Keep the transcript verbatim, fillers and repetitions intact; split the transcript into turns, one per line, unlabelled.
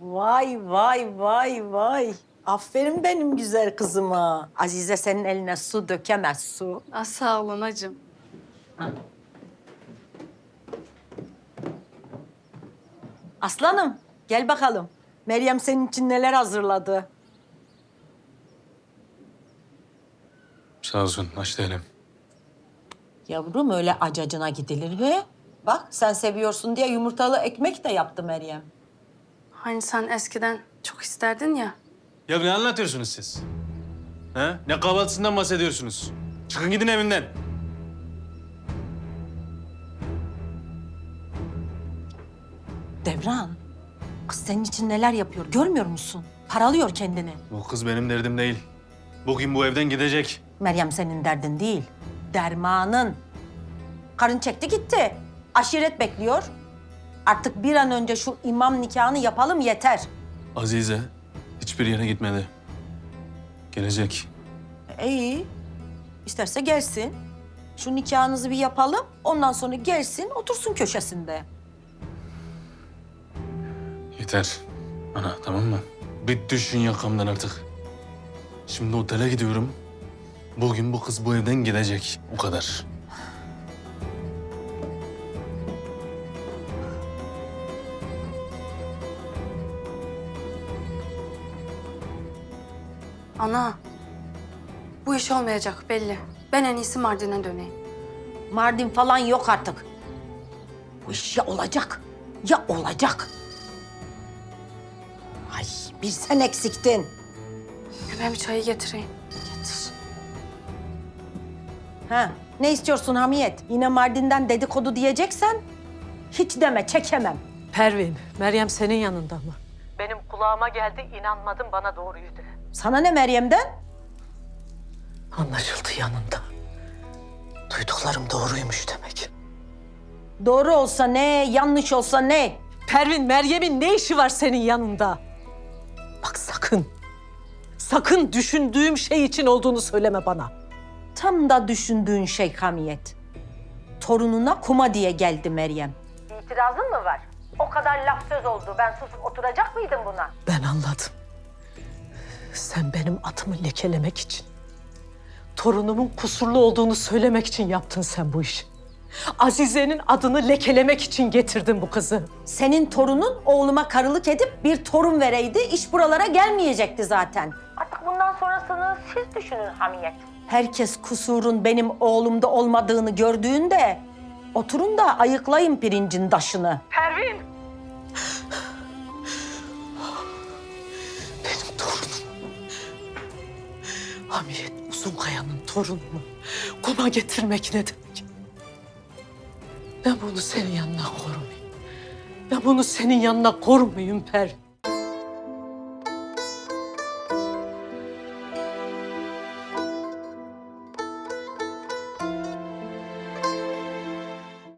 Vay vay vay vay. Aferin benim güzel kızıma. Azize senin eline su dökemez su.
Ah, sağ olun hacım.
Aslanım gel bakalım. Meryem senin için neler hazırladı?
Sağ olsun, aç değilim.
Yavrum öyle acacına gidilir mi? Bak sen seviyorsun diye yumurtalı ekmek de yaptı Meryem.
Hani sen eskiden çok isterdin ya.
Ya ne anlatıyorsunuz siz? Ha? Ne kahvaltısından bahsediyorsunuz? Çıkın gidin evimden.
Devran, kız senin için neler yapıyor görmüyor musun? Paralıyor kendini.
Bu kız benim derdim değil. Bugün bu evden gidecek.
Meryem senin derdin değil, dermanın. Karın çekti gitti. Aşiret bekliyor. Artık bir an önce şu imam nikahını yapalım yeter.
Azize hiçbir yere gitmedi. Gelecek.
E, iyi. İsterse gelsin. Şu nikahınızı bir yapalım. Ondan sonra gelsin, otursun köşesinde.
Yeter. Ana tamam mı? Bir düşün yakamdan artık. Şimdi otele gidiyorum. Bugün bu kız bu evden gidecek. O kadar.
Ana, bu iş olmayacak belli. Ben en iyisi Mardin'e döneyim.
Mardin falan yok artık. Bu iş ya olacak, ya olacak. Ay bir sen eksiktin.
Hemen bir çayı getireyim.
Getir. Ha, ne istiyorsun Hamiyet? Yine Mardin'den dedikodu diyeceksen hiç deme, çekemem.
Pervin, Meryem senin yanında mı?
Benim kulağıma geldi, inanmadım bana doğruyu de.
Sana ne Meryem'den?
Anlaşıldı yanında. Duyduklarım doğruymuş demek.
Doğru olsa ne, yanlış olsa ne?
Pervin, Meryem'in ne işi var senin yanında? Bak sakın, sakın düşündüğüm şey için olduğunu söyleme bana.
Tam da düşündüğün şey Hamiyet. Torununa kuma diye geldi Meryem. İtirazın mı var? O kadar laf söz oldu. Ben susup oturacak mıydım buna?
Ben anladım. Sen benim adımı lekelemek için, torunumun kusurlu olduğunu söylemek için yaptın sen bu işi. Azize'nin adını lekelemek için getirdin bu kızı.
Senin torunun oğluma karılık edip bir torun vereydi, iş buralara gelmeyecekti zaten. Artık bundan sonrasını siz düşünün Hamiyet. Herkes kusurun benim oğlumda olmadığını gördüğünde oturun da ayıklayın pirincin taşını.
Pervin!
Benim torunum. Hamiyet Uzunkaya'nın torununu kuma getirmek ne demek? Ben bunu senin yanına korumayayım. Ben bunu senin yanına korumayayım Pervin.